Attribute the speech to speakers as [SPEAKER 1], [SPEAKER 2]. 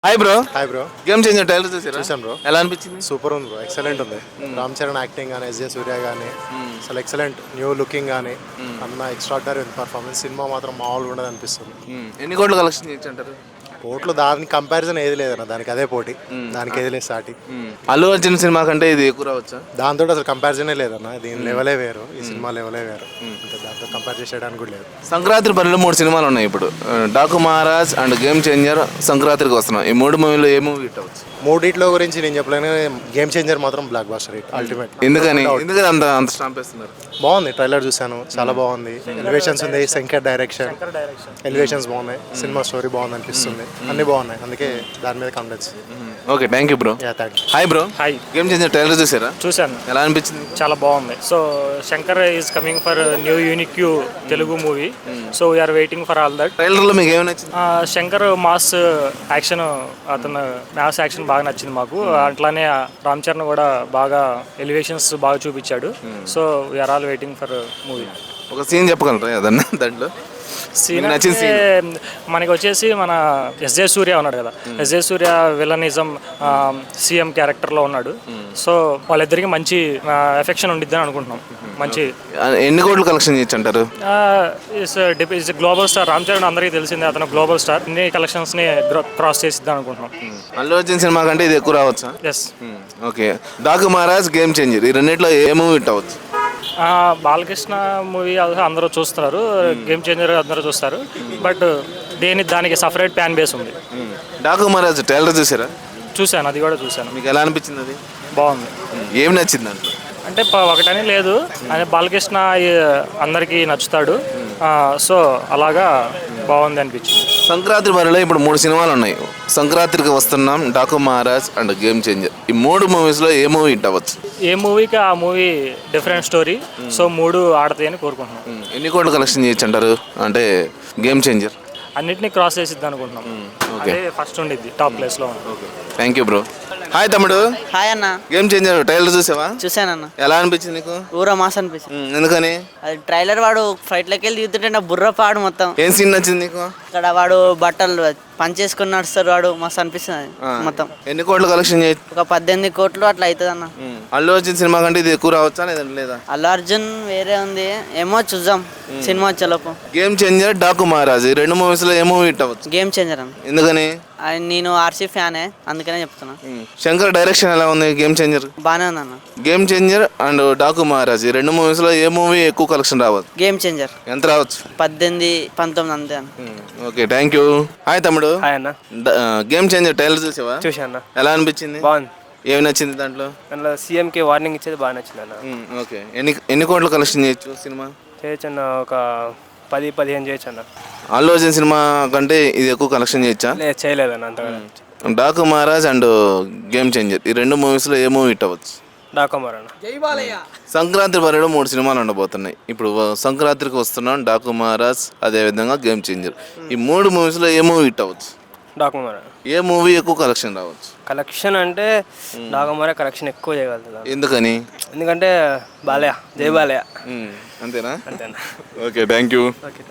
[SPEAKER 1] Hi bro.
[SPEAKER 2] Hi bro.
[SPEAKER 1] Game changer trailer చూసారా?
[SPEAKER 2] చూసాను bro.
[SPEAKER 1] ఎలా అనిపించింది?
[SPEAKER 2] సూపర్ ఉంది బ్రో, ఎక్సలెంట్ ఉంది. రామ్ చరణ్ యాక్టింగ్ కానీ, ఎస్జే సూర్య కానీ అసలు ఎక్సలెంట్. న్యూ లుకింగ్ కానీ అన్న ఎక్స్ట్రాడినరీ ఉంది పర్ఫార్మెన్స్. సినిమా మాత్రం మామూలుగా ఉండదు అనిపిస్తుంది.
[SPEAKER 1] ఎన్ని కోట్లు కలెక్షన్ చేయొచ్చు అంటారు?
[SPEAKER 2] కోట్లు దానికి కంపారిజన్ ఏది లేదన్న, దానికి అదే పోటీ, దానికి ఏది లేదు సాటి.
[SPEAKER 1] అల్లు అర్జున్ సినిమా కంటే ఇది ఎక్కువ రావచ్చా?
[SPEAKER 2] దాంతో అసలు కంపారిజనే లేదన్న. దీని లెవెలే వేరు, ఈ సినిమా లెవెలే వేరు. ఇంకా దాంతో కంపేర్ చేసేయడానికి కూడా లేదు.
[SPEAKER 1] సంక్రాంతి పనిలో 3 సినిమాలు ఉన్నాయి ఇప్పుడు. Daaku Maharaj and game changer సంక్రాంతికి వస్తున్నాం. ఈ 3 మూవీలో ఏ మూవీ హిట్ అవ్వచ్చు?
[SPEAKER 2] మూడిట్లో గురించి నేను చెప్పలేను. గేమ్ చేంజర్ మాత్రం బ్లాక్ బాస్టర్ హిట్ అల్టిమేట్.
[SPEAKER 1] ఎందుకని అంత అంత స్టాంప్ వేస్తున్నారు?
[SPEAKER 2] బాగుంది, ట్రైలర్ చూసాను, చాలా బాగుంది. ఎలివేషన్స్ ఉంది, శంకర్ డైరెక్షన్, ఎలివేషన్స్ బాగున్నాయి. సినిమా స్టోరీ బాగుంది అనిపిస్తుంది, అన్ని బాగున్నాయి. అందుకే దాని మీద confidence.
[SPEAKER 1] Okay, thank you bro.
[SPEAKER 2] Yeah, thank you.
[SPEAKER 1] Hi bro.
[SPEAKER 3] Hi.
[SPEAKER 1] Game changer trailer చూసారా?
[SPEAKER 3] చూశాను,
[SPEAKER 1] ఎలా అనిపించింది?
[SPEAKER 3] చాలా బాగుంది. So Shankar is coming for new unique Telugu movie. So we are waiting for all that.
[SPEAKER 1] ట్రైలర్లో మీకు ఏమి నచ్చింది?
[SPEAKER 3] శంకర్ మాస్ యాక్షన్, అతను మాస్ యాక్షన్ బాగా నచ్చింది మాకు. అట్లానే రామ్ చరణ్ కూడా బాగా ఎలివేషన్స్ బాగా చూపించాడు. So we are all waiting for movie.
[SPEAKER 1] ఒక సీన్ చెప్పగలరా ఏదన్నా దాంట్లో?
[SPEAKER 3] సీన్
[SPEAKER 1] నచ్చిన
[SPEAKER 3] అంటే మనకి వచ్చేసి మన ఎస్జే సూర్య ఉన్నాడు కదా, ఎస్జే సూర్య విలనిజం సీఎం క్యారెక్టర్లో ఉన్నాడు. సో వాళ్ళిద్దరికి మంచి ఎఫెక్షన్ ఉండిద్దని అనుకుంటున్నాం. మంచి
[SPEAKER 1] ఎన్ని కోట్లు కలెక్షన్ చేయొచ్చు అంటారు?
[SPEAKER 3] Is global star. Ram Charan అందరికీ తెలిసిందే, అతను గ్లోబల్ స్టార్. ఇన్ని కలెక్షన్స్ని క్రాస్ చేసిద్దాం అనుకుంటున్నాం.
[SPEAKER 1] అల్లు అర్జున్ సినిమా కంటే ఇది ఎక్కువ రావచ్చా?
[SPEAKER 3] Yes.
[SPEAKER 1] Okay, Daaku Maharaj game changer ఈ రెండిట్లో ఏ మూవీ హిట్ అవ్వచ్చు?
[SPEAKER 3] బాలకృష్ణ మూవీ అందరూ చూస్తున్నారు, గేమ్ చేంజర్ అందరూ చూస్తారు. బట్ దానికి సపరేట్ ఫ్యాన్ బేస్ ఉంది.
[SPEAKER 1] డాకు మహారాజ్ ట్రైలర్ చూసారా?
[SPEAKER 3] చూశాను, అది కూడా చూశాను.
[SPEAKER 1] మీకు ఎలా అనిపించింది? అది
[SPEAKER 3] బాగుంది.
[SPEAKER 1] ఏం నచ్చింది దాంట్లో?
[SPEAKER 3] అంటే ఒకటని లేదు, ఆయన బాలకృష్ణ అందరికీ నచ్చుతాడు. సో అలాగా బాగుంది అనిపించింది.
[SPEAKER 1] సంక్రాంతి మరిలో ఇప్పుడు 3 సినిమాలు ఉన్నాయి. సంక్రాంతికి వస్తున్నాం, Daaku Maharaj and game changer. ఈ 3 మూవీస్లో ఏ మూవీ హిట్ అవ్వచ్చు?
[SPEAKER 3] ఏ మూవీకి ఆ మూవీ డిఫరెంట్ స్టోరీ. సో 3 ఆడతాయని కోరుకుంటున్నాం.
[SPEAKER 1] ఎన్ని కోట్లు కలెక్షన్ చేయొచ్చు అంటారు? అంటే గేమ్ చేంజర్
[SPEAKER 3] అన్నిటినీ క్రాస్ చేసిద్దాం అనుకుంటున్నాం. అదే ఫస్ట్ ఉండిద్ది, టాప్ ప్లేస్లో ఉంది.
[SPEAKER 1] Thank you bro. హాయ్ తమ్ముడు.
[SPEAKER 4] హాయ్ అన్న.
[SPEAKER 1] గేమ్ చేంజర్ ట్రైలర్ చూసావా?
[SPEAKER 4] చూసానన్న.
[SPEAKER 1] ఎలా అనిపించింది నీకు?
[SPEAKER 4] ఊర మాస్ అనిపించింది.
[SPEAKER 1] ఎందుకని?
[SPEAKER 4] అది ట్రైలర్ వాడు ఫ్లైట్లోకి వెళ్ళి దిగుతుంటే నా బుర్ర పాడు మొత్తం.
[SPEAKER 1] ఏం సీన్ నచ్చింది నీకు?
[SPEAKER 4] ఇక్కడ వాడు బట్టలు పనిచేసుకుని నడుస్తారు, వాడు మస్తు అనిపిస్తుంది మొత్తం.
[SPEAKER 1] ఎన్ని కోట్లు కలెక్షన్ చేయొచ్చు?
[SPEAKER 4] ఒక 18 కోట్లు అట్లా అవుతుంది అన్న.
[SPEAKER 1] అల్లు అర్జున్ సినిమా కంటే ఇది ఎక్కువ రావచ్చా లేదా?
[SPEAKER 4] అల్లు అర్జున్ వేరే ఉంది, ఏమో చూద్దాం సినిమా వచ్చేలోపు.
[SPEAKER 1] గేమ్ చేంజర్, డాకు మహారాజ్ ఈ 2 మూవీస్లో ఏ మూవీ హిట్ అవ్వచ్చు?
[SPEAKER 4] గేమ్ చేంజర్ అన్న.
[SPEAKER 1] ఎందుకని?
[SPEAKER 4] నేను ఆర్సీ ఫ్యానే, అందుకనే చెప్తున్నా.
[SPEAKER 1] శంకర్ డైరెక్షన్ ఎలా ఉంది గేమ్ చేంజర్?
[SPEAKER 4] బాగానే ఉంది అన్న.
[SPEAKER 1] Game changer and Daaku Maharaj ఈ 2 మూవీస్లో ఏ మూవీ ఎక్కువ కలెక్షన్ రావచ్చు?
[SPEAKER 4] Game changer.
[SPEAKER 1] ఎంత రావచ్చు?
[SPEAKER 4] 18, 19 అంతే అన్న.
[SPEAKER 1] Okay, thank you. హాయ్ తమ్ముడు.
[SPEAKER 3] హాయ్ అన్న.
[SPEAKER 1] గేమ్ చేంజర్ ట్రైలర్ చూసావా?
[SPEAKER 3] చూశాను.
[SPEAKER 1] ఎలా అనిపించింది?
[SPEAKER 3] బాగుంది.
[SPEAKER 1] ఏమి నచ్చింది దాంట్లో?
[SPEAKER 3] దాంట్లో సీఎంకి వార్నింగ్ ఇచ్చేది బాగా నచ్చింది అన్న.
[SPEAKER 1] ఓకే, ఎన్ని కోట్లు కలెక్షన్ చేయొచ్చు సినిమా?
[SPEAKER 3] చేయొచ్చు అన్న, ఒక 10-15 చేయొచ్చు అన్న.
[SPEAKER 1] అల్లు అర్జున్ సినిమా కంటే ఇది ఎక్కువ కలెక్షన్ చేయొచ్చా?
[SPEAKER 3] లేదు, చేయలేదన్న అంతగా.
[SPEAKER 1] Daaku Maharaj and game changer ఈ 2 మూవీస్లో ఏ మూవీ హిట్ అవ్వచ్చు?
[SPEAKER 3] డాకోమర్ అన్న.
[SPEAKER 1] సంక్రాంతి వరకు 3 సినిమాలు ఉండబోతున్నాయి. ఇప్పుడు సంక్రాంతికి వస్తున్నాం, డాకు మహారాజ్ అదేవిధంగా గేమ్ చేంజర్. ఈ 3 మూవీస్లో ఏ మూవీ హిట్ అవ్వచ్చు?
[SPEAKER 3] డాకోమర్.
[SPEAKER 1] ఏ మూవీ ఎక్కువ కలెక్షన్ రావచ్చు?
[SPEAKER 3] కలెక్షన్ అంటే డాకోమరే కలెక్షన్ ఎక్కువ చేయగలుగుతుంది.
[SPEAKER 1] ఎందుకని?
[SPEAKER 3] ఎందుకంటే బాలయ్య, జై బాలయ్య.
[SPEAKER 1] అంతేనా?
[SPEAKER 3] అంతేనా?
[SPEAKER 1] Okay, thank you.